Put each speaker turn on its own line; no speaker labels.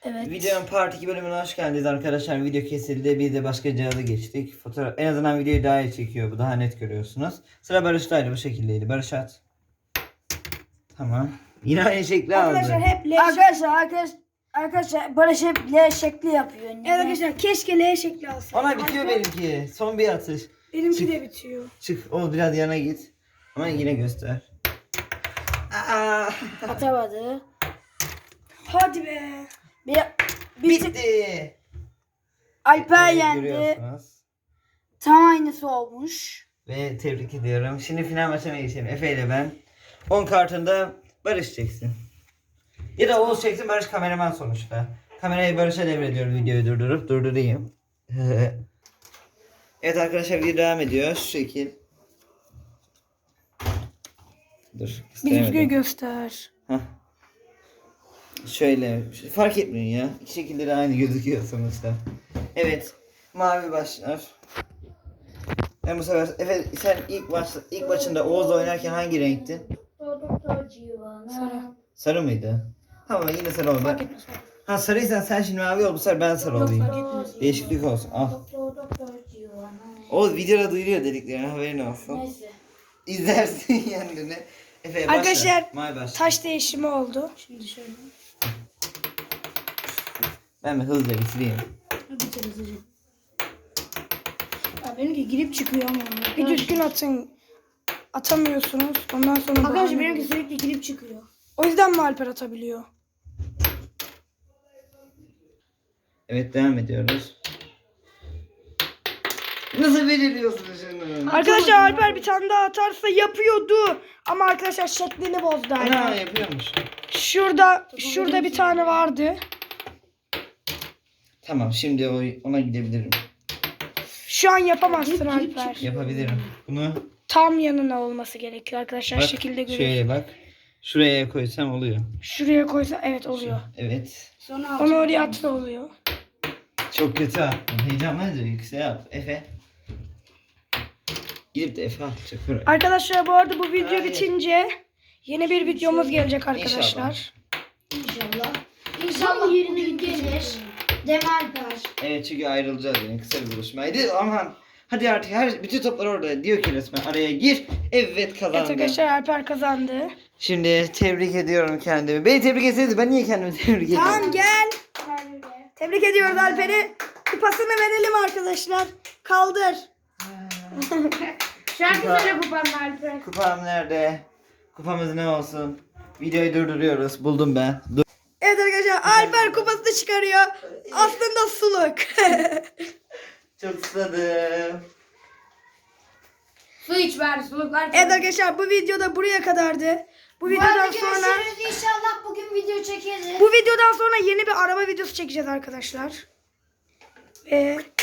Evet.
Videonun part 2 bölümüne hoş geldiniz arkadaşlar. Video kesildi. Biz de başka cihaza geçtik. Fotoğraf en azından videoyu daha iyi çekiyor. Bu daha net görüyorsunuz. Sıra Barış'taydı, bu şekildeydi. Barış at. Tamam. Yine aynı şekli aldı.
Arkadaşlar hep L
Arkadaşlar Barış hep L şekli yapıyor.
Evet arkadaşlar keşke L şekli alsaydı.
Ona bitiyor benimki. Son bir atış.
Benimki de bitiyor.
Çık. O biraz yana git. Ama yine göster. Aa,
Atamadı.
Hadi be.
Bir tık
bitti.
Alper
Evet,
yendi.
görüyorsunuz.
Tam aynısı olmuş.
Ve tebrik ediyorum. Şimdi final maçına geçelim. Efe ile ben. 10 kartında Barış çeksin. Ya da Oğuz çeksin, Barış kameraman sonuçta. Kamerayı Barış'a devrediyorum, videoyu durdurayım. Evet arkadaşlar, video devam ediyor. Şu şekil. Dur.
Bir düzgün
gösteremedim.
göster.
Hah. Şöyle. Fark etmiyor ya. İki şekilde de aynı gözüküyor sonuçta. Evet. Mavi başlar. Ben bu sefer Efe, sen ilk maçında Oğuz'la oynarken hangi renktin?
Sarı.
Sarı mıydı? Tamam, yine sarı oldu.
Fark etmez.
Ha, sarıysan sen şimdi mavi ol, bu sefer ben sarı
Yok,
olayım.
fark etmez.
Değişiklik olsun. Al. O videoda duyuruyor dediklerini, haberin olsun.
Neyse.
İzlersin kendini. Efe başla.
Arkadaşlar,
Mavi başla.
Taş değişimi oldu.
Şimdi şöyle.
Ben bir hızlıca bitireyim.
Ya benimki girip çıkıyor ama. Bir düzgün atın. Atamıyorsunuz. Ondan sonra
Arkadaşlar benimki sürekli girip çıkıyor.
O yüzden mi Alper atabiliyor?
Evet, devam ediyoruz. Nasıl belirliyorsun şunu?
Arkadaşlar Alper bir tane daha atarsa yapıyordu. Ama arkadaşlar şeklini bozdu
Ana,
Alper.
yapıyormuş.
Şurada bir tane vardı.
Tamam, şimdi ona gidebilirim.
Şu an yapamazsın Alper.
Yapabilirim. Bunu
Tam yanına olması gerekiyor arkadaşlar.
bak,
Şekilde görüyoruz.
şöyle bak. Şuraya koysam oluyor.
Şuraya koysa evet oluyor.
Evet.
Sonra
Onu oraya atsa oluyor.
Çok kötü attım. Heyecanlanınca yükseğe yap. Efe. Gidip de Efe atacak.
Arkadaşlar bu arada bu video
Hayır.
bitince yeni bir videomuz gelecek arkadaşlar.
İnşallah. İnşallah yerine gelir. Değil mi Alper?
Evet, çünkü ayrılacağız yine. Kısa bir buluşmaydı. Aman. Hadi artık bütün toplar orada. Diyor ki resmen araya gir. Evet, kazandı.
Evet arkadaşlar Alper kazandı.
Şimdi tebrik ediyorum kendimi. Beni tebrik etseniz ben niye kendimi tebrik ediyorum?
Tamam gel. Tebrik ediyoruz Alper'i. Kupasını verelim arkadaşlar. Kaldır.
Şarkı söyle kupamla Alper.
Kupam nerede? Kupamız ne olsun? Videoyu durduruyoruz. Buldum ben.
Evet arkadaşlar Alper kupasını çıkarıyor. Aslında suluk.
Çok susadım.
Su iç ver suluklar.
Evet arkadaşlar bu videoda buraya kadardı. Bu videodan sonra
İnşallah bugün video çekeriz.
bu videodan sonra yeni bir araba videosu çekeceğiz arkadaşlar. Ve